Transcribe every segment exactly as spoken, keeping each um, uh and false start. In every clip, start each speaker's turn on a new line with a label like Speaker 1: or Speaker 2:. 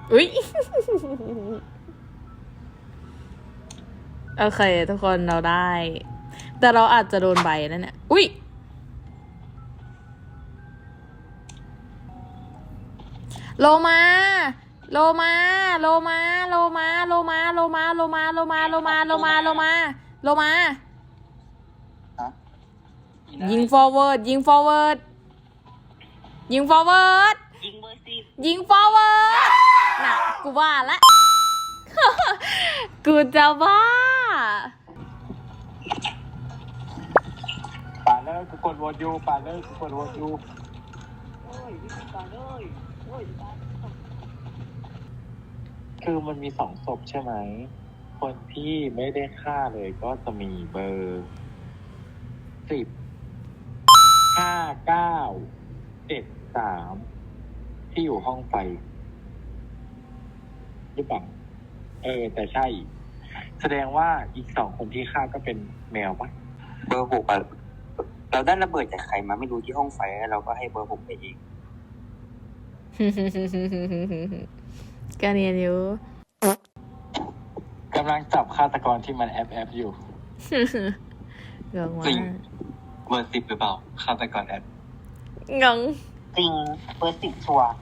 Speaker 1: อุ้ย โอเคทุกคนเราได้ แต่เราอาจจะโดนใบนั่นเนี่ยอุ้ยโลมาโลมาโลมาโลมาโลมาโลมาโลมาโลมาโลมาโลมาโลมาโลมายิง forward ยิง forward ยิง forward
Speaker 2: ยิงเบอร์สิบ
Speaker 1: ยิง forward น่ะกูว่าละ กูจะว่า
Speaker 3: ป่าเลยกูกดโหวตอยู่ป่าเลยกูกดโหวตอยู่
Speaker 2: โอ้ยป่าเลยโอ้ย
Speaker 3: คือมันมีสองศพใช่ไหมคนที่ไม่ได้ฆ่าเลยก็จะมีเบอร์สิบห้าเก้าเจ็ดสามที่อยู่ห้องไฟหรือเปล่าเออแต่ใช่แสดงว่าอีกสองคนที่ฆ่าก็เป็นแมวปะ
Speaker 4: เบอร์หกอะเราได้ระเบิดจากใครมาไม่รู้ที่ห้องไฟเราก็ให้เบอร์หกไปเอง
Speaker 1: ก็เนียนอยู่
Speaker 3: กำลังจับฆาตกรที่มันแอบแอบอยู่
Speaker 1: งงว่า
Speaker 4: จริงเบอร์สิบหรือเปล่าฆาตกรแอบ
Speaker 1: งง
Speaker 2: จริงเบอร์สิบชัวร์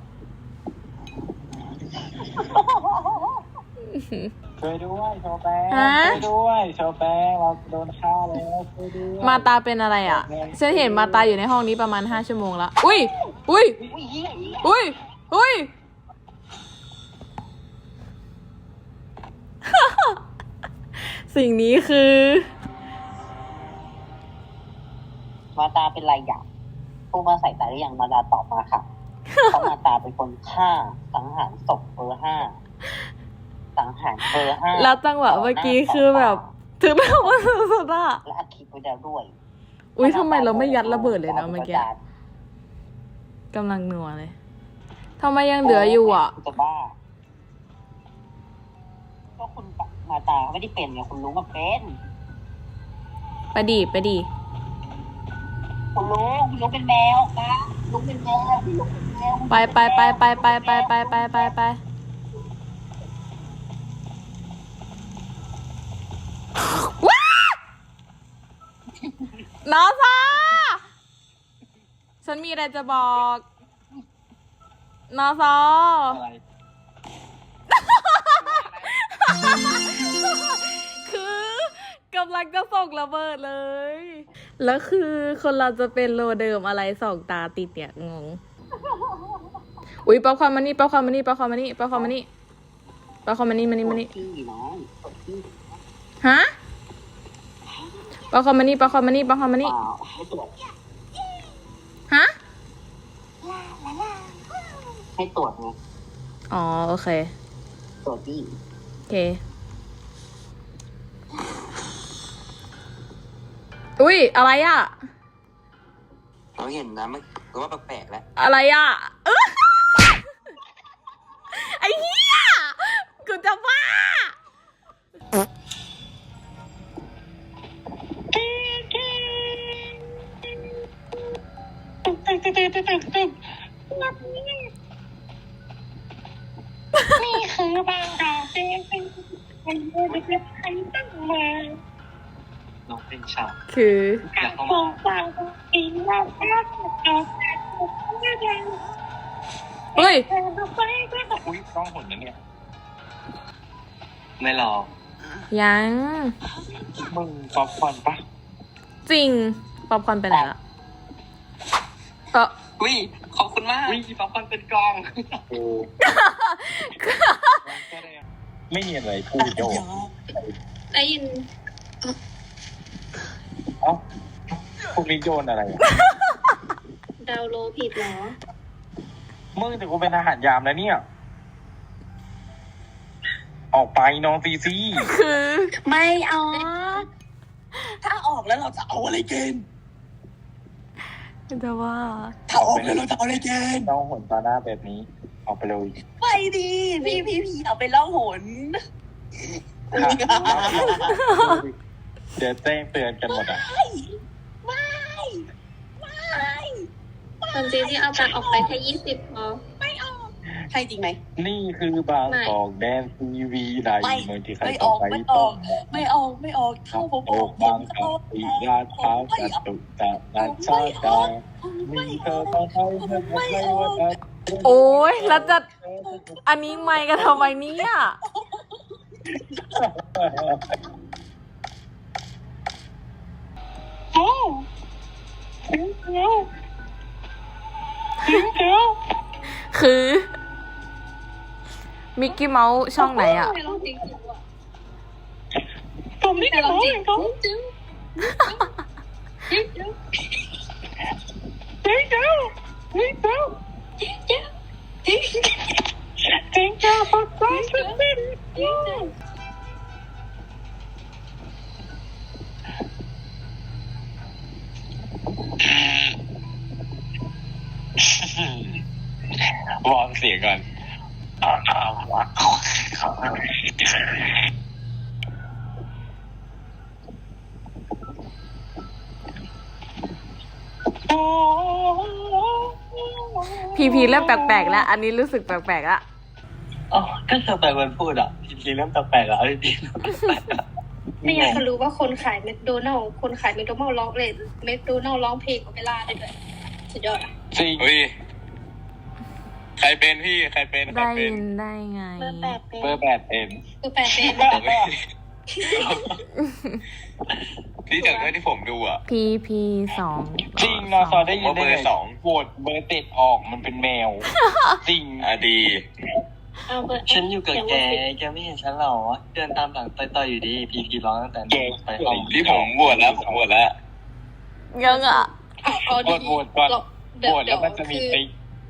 Speaker 3: ช่วยด้วยโชแปงช่วยด้วยโชแปงเราโดนฆ่าแล้วช่วยด้วย
Speaker 1: มาตาเป็นอะไรอ่ะฉันเห็นมาตาอยู่ในห้องนี้ประมาณห้าชั่วโมงแล้วอุ้ยอุ้ย
Speaker 2: อุ้ยเหี้ย
Speaker 1: อุ้ยอุ้ย สิ่งนี้คือ
Speaker 2: มาตาเป็นไรอย่างผู้มาใส่ตาหรือยังมาตาตอบมาค่ะเพราะมาตาเป็นคนฆ่าสังหารศพเบอร์ห้าสังหารเบอร์ห้า
Speaker 1: แล้วจังหวะเมื่อกี้คือแบบถึงแบบว่าสุดอะ
Speaker 2: และอัดคลิปไว้แล้วด้วย
Speaker 1: อุ้ยทำไมเราไม่ยัดระเบิดเลยนะเมื่อกี้กำลังหนัวเลยทำไมยังเหลืออยู่อ่ะ
Speaker 2: จะบ้าก็คุณมาตาไม่ได้เป็นไงคุณลุงก็เป็น
Speaker 1: ไปดีไปดี
Speaker 2: คุณลุงคุณลุงเป็นแมวนะลุงเป็นแมวคุณลุงเป็นแมว
Speaker 1: ไปไปไปไปไปไปไปไปไปไปว้านอซาฉันมีอะไรจะบอกนอซอ
Speaker 3: อะไร
Speaker 1: คือกำลังจะส่งระเบิดเลย แล้วคือคนเราจะเป็นโลเดิมอะไรสองตาติดเนี่ยงง อุ้ยป๊อปคอร์นมานี่ป๊อปคอร์นมานี่ป๊อปคอร์นมานี่ป๊อปคอร์นมานี่ป๊อปคอร์นมานี่มานี่มานี่
Speaker 2: พี่น้องพี่
Speaker 1: ฮะป๊อปคอร์นมานี่ป๊อปคอร์นมานี่ป๊อปคอร์นมานี่
Speaker 2: เปล่าให้ตรวจ
Speaker 1: ฮะ
Speaker 2: ให้ตรวจไง
Speaker 1: อ๋อโอเค
Speaker 2: ตรวจพี่
Speaker 1: โอเคอุ้ยอะไรอ่ะ
Speaker 4: เราเห็นนะมันก็ว่าแปลกๆแล้ว
Speaker 1: อะไรอ่ะเอ้อไอ้เหี้ยกูจะบ้า
Speaker 2: นี่คือบางดาวเป็นเป็นเป็นเป็นใครตั้งมา
Speaker 4: น้องเป็นฉาก
Speaker 1: คือ
Speaker 4: อยากเข้า
Speaker 2: ข
Speaker 4: มา
Speaker 2: องฝากปีนมาแค่ตัวแค่ตัวแค่เดียว
Speaker 1: เฮ้ย
Speaker 2: แต่เราไปก็แบบ
Speaker 3: อุ้ยต้องหนนะเนี่ย
Speaker 4: ไม่รอ
Speaker 1: ยัง
Speaker 3: มึงป๊อปคอร์นปะ
Speaker 1: จริงป๊อปคอร์นไปไหนละเออ
Speaker 4: อุ้ยขอบคุณมากอุ้ยป๊อปคอร์นเป็นกอง
Speaker 3: กูไม่มีอะไรพูดโย
Speaker 5: ได้ยิน
Speaker 3: เอ้าพวกนี้โยนอะไรอ่ะ
Speaker 5: ดาวโลผิดเหรอ
Speaker 3: มึงแต่กูเป็นทหารยามแล้วเนี่ย ออกไปน้องซีซี
Speaker 1: คือ
Speaker 5: ไม่เอา
Speaker 2: ถ้าออกแล้วเราจะเอาอะไรกิน
Speaker 1: จะว่า
Speaker 2: ถ้าออกแล้วเราจะเอาอะไรกิน
Speaker 3: น้องหนตาหน้าแบบนี้ ออกไปเลย
Speaker 2: ไปดีพี่พี่พี่เอาไปล่องหน
Speaker 3: เดี๋ยวแจ้งเตือนกันหมดอ่ะ
Speaker 2: ไม่ไม่ไม่
Speaker 5: ตอนเจที่เอาตังค์ออกไปแค่ยี่สิบพอ
Speaker 2: ไม่ออก
Speaker 6: ใช่จริงไหม
Speaker 3: นี่คือบางกอกแดนทีวีใน
Speaker 6: ไม่
Speaker 3: เมืองที่ใคร
Speaker 6: ไม่
Speaker 3: ต่
Speaker 6: อ
Speaker 3: อ
Speaker 6: อก
Speaker 3: ไป
Speaker 6: ไม่อ
Speaker 3: ต้อ
Speaker 6: อง กไม่ออกไม่ออกเท่าผม
Speaker 3: โอบ
Speaker 6: อก
Speaker 3: บางกอกสีลาดพร้าวจตุจักรนันชาดามีเธอต้องให้เธอไม่ว่าจะ
Speaker 1: โอ้ยแล้วจะอันนี้ไม่กันทำไมเนี่ย คือ มิกกี้เมาส์ช่องไหนอ่ะ
Speaker 5: ไม่ร้องจริงจริงว่ะ
Speaker 6: ผมไม่
Speaker 5: แต่
Speaker 6: ได้
Speaker 5: ร้องจริง
Speaker 6: เขา
Speaker 5: จริงจริงจริง
Speaker 6: จริงเจ้าจริงเจ้า
Speaker 5: จริงจริง
Speaker 6: จริงเจ้าปักใจสุดสิ้น
Speaker 5: จริง
Speaker 3: วางเสียงก่อน
Speaker 1: พีพีเริ่มแปลกๆแล้ว อันนี้รู้สึกแปลกๆละ
Speaker 4: อ๋อก็เธอไปวันพูดอ่ะจริงๆเริ่มแปลกๆแล้วจริง
Speaker 5: ไม่อยากจะรู้ว่าคนขายแมคโดนัลล์คนขายแมคโดนัลล์ร้องเลยแมคโดนัลล์ร้องเพลงโอเปร่าได้ด้วยสุดยอดอ่ะ
Speaker 3: จริง
Speaker 7: เฮ้ย ใครเป็นพี่ ใครเป็น ใคร
Speaker 1: ได้
Speaker 7: เป็
Speaker 1: ยิ
Speaker 7: น
Speaker 1: นได้ไง
Speaker 5: เบอร์แปดเป็น
Speaker 3: เบอร์แปดเอ็น
Speaker 5: เบอร์แปดเป็น
Speaker 7: พี่จากด้วยที่ผมดูอ่ะ
Speaker 1: พีพีสอง
Speaker 3: จริงนอซอได้ยิน
Speaker 7: ผมว่า
Speaker 3: ได้
Speaker 7: เบอร์
Speaker 3: ไง
Speaker 7: สอง
Speaker 3: โหวตเบอร์เจ็ดออกมันเป็นแมว จริง
Speaker 7: อ่ะดี
Speaker 5: เอาเบอร์
Speaker 4: ๆฉันอยู่กับแกแกไม่เห็นฉันหรอเดินตามหลังต่อยๆอยู่ดีพีพีร้องตั้งแต่
Speaker 3: แก
Speaker 4: ไปห้อง
Speaker 7: พี่ผมบวชแล้ว ผมบวชแล้ว
Speaker 1: ยังอ่ะ
Speaker 5: เอาเอา
Speaker 3: โหว
Speaker 5: ดี
Speaker 3: ตโหวตก่อน
Speaker 5: เดี๋
Speaker 3: โห
Speaker 5: ยว
Speaker 3: วตแล้วมันจะมี
Speaker 5: คือ
Speaker 3: ติ๊ก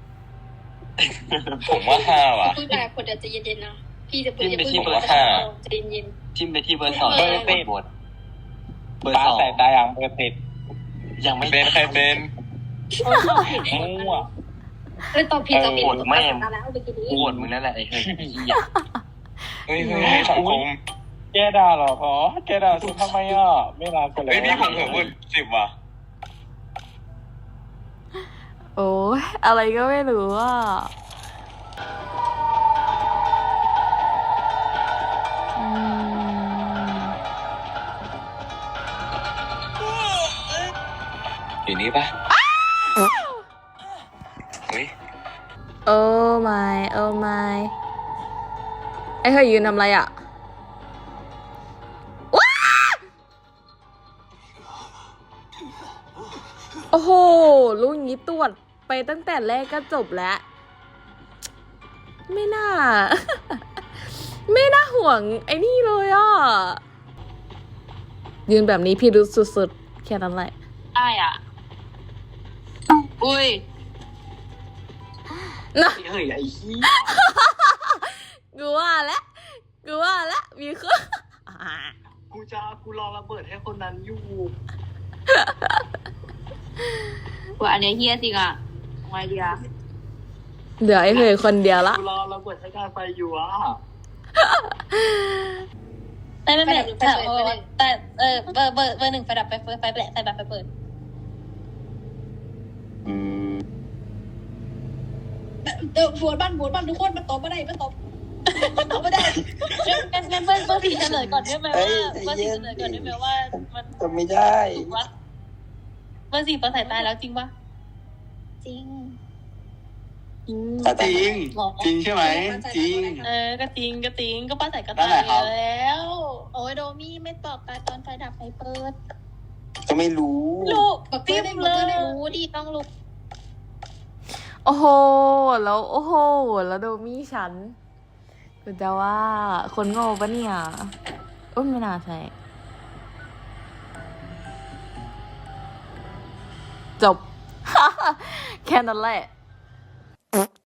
Speaker 7: ผมว่าห้าว่ะ
Speaker 5: พูดไปคนเดียวจะเย็นๆนะพี่จะพูด
Speaker 4: จิ้ม
Speaker 5: จะ
Speaker 4: ไป
Speaker 5: พูด
Speaker 4: ที่เบอ
Speaker 5: ว่า
Speaker 4: ร์สาม
Speaker 5: จะเย็น
Speaker 4: จิ้มไปที่เบอร์สอง
Speaker 5: เบอร์
Speaker 4: แล้วกดโหวตเบอร์
Speaker 3: ตา
Speaker 4: สอง
Speaker 3: ใส่ตาอย่างเบอร์เจ็ด
Speaker 4: ยังไม่
Speaker 7: เป็นใครเป็น
Speaker 5: ๆโอ้ยตอบผิด
Speaker 3: มั่ว
Speaker 5: เอ้ยตอบผิดตอบผิด
Speaker 4: โหวตแม่ง
Speaker 5: ตาแล้วเมื่อกี้นี้
Speaker 4: โหวตมึงนั่นแหละไอ้เฮ้ยเหี้ย
Speaker 7: เฮ้ยเฮ้ยเฮ้ยสังคม
Speaker 3: แกด่าเหรอพอแกด่าฉันทำไมอ่ะ ไม่รักกันเลย
Speaker 7: เฮ้ยพี่ผมเผื่อพูดสิบว่ะ
Speaker 1: โอ้ยอะไรก็ไม่รู้อ่ะอืม
Speaker 7: อยู่นี่ปะเฮ้ย
Speaker 1: โอ้ my โอ้ my ไอ้เฮ้ยยืนทำอะไรอ่ะว้าโอ้โหลูกนี้ตรวจไปตั้งแต่แรกก็จบแล้ว ไม่น่า ไม่น่าห่วงไอ้นี่เลยอ่ะ ยืนแบบนี้พี่รู้สุดๆ แค่นั้นแหละ
Speaker 6: ได้อ่ะอุ้ย
Speaker 1: นะ
Speaker 4: เฮ้ยไอ้ขี้
Speaker 1: กูว่าแล้วกูว่าแล้วมีเครื่อง
Speaker 4: กูจะกูรอระเบิดให้คนนั้นอยู่
Speaker 6: ว่าอันเนี้ยเฮียจริงอ่ะไงดีอ่ะ
Speaker 1: เหลือไอ้เหยคนเดียวละ
Speaker 4: กูรอระเบิดให้การไฟอยู่อ่ะ
Speaker 8: ไม่ไม่ไม่แต่เออแต่เออเบอร์เบอร์เบอร์หนึ่งไฟดับไฟเปิดไฟแปะไฟแบบไฟเปิด
Speaker 4: อืม
Speaker 5: เออบัวบ้านบัวบ้านทุกคนมันตอบไม่ได้มันตอบมันตอบไม่ได้
Speaker 8: งั้นงั้นเบอร์เบอร์สี่เฉลยก่อนได้ไหมว่าเบอร์สี่เฉลยก่อนได้ไหมว่ามัน
Speaker 4: จะไม่ได้
Speaker 8: ถูกปะเบอร์สี่เปิดสายตาแล้วจริงปะจริง
Speaker 4: จริง
Speaker 8: หรอ
Speaker 4: จริงใช่ไหมจริง
Speaker 8: เออก็จริงก็จริงก็ป้าใส่ก็
Speaker 4: นั่
Speaker 8: ตาน
Speaker 4: แหละครับ
Speaker 8: แล้ว โอ้ยโดมี่ไม่ตอบตาตอนไฟดับไฟเปิด
Speaker 4: ก็ไม่รู้
Speaker 8: ลูกจิ้มเลยรู้ดิต้องลูก
Speaker 1: โอ้โห แล้วโอ้โห แล้วโดมี่ฉันกูจะว่าคนโง่ปะเนี่ยโอ้ยไม่น่าใช่ จบ แค่นั้นแหละ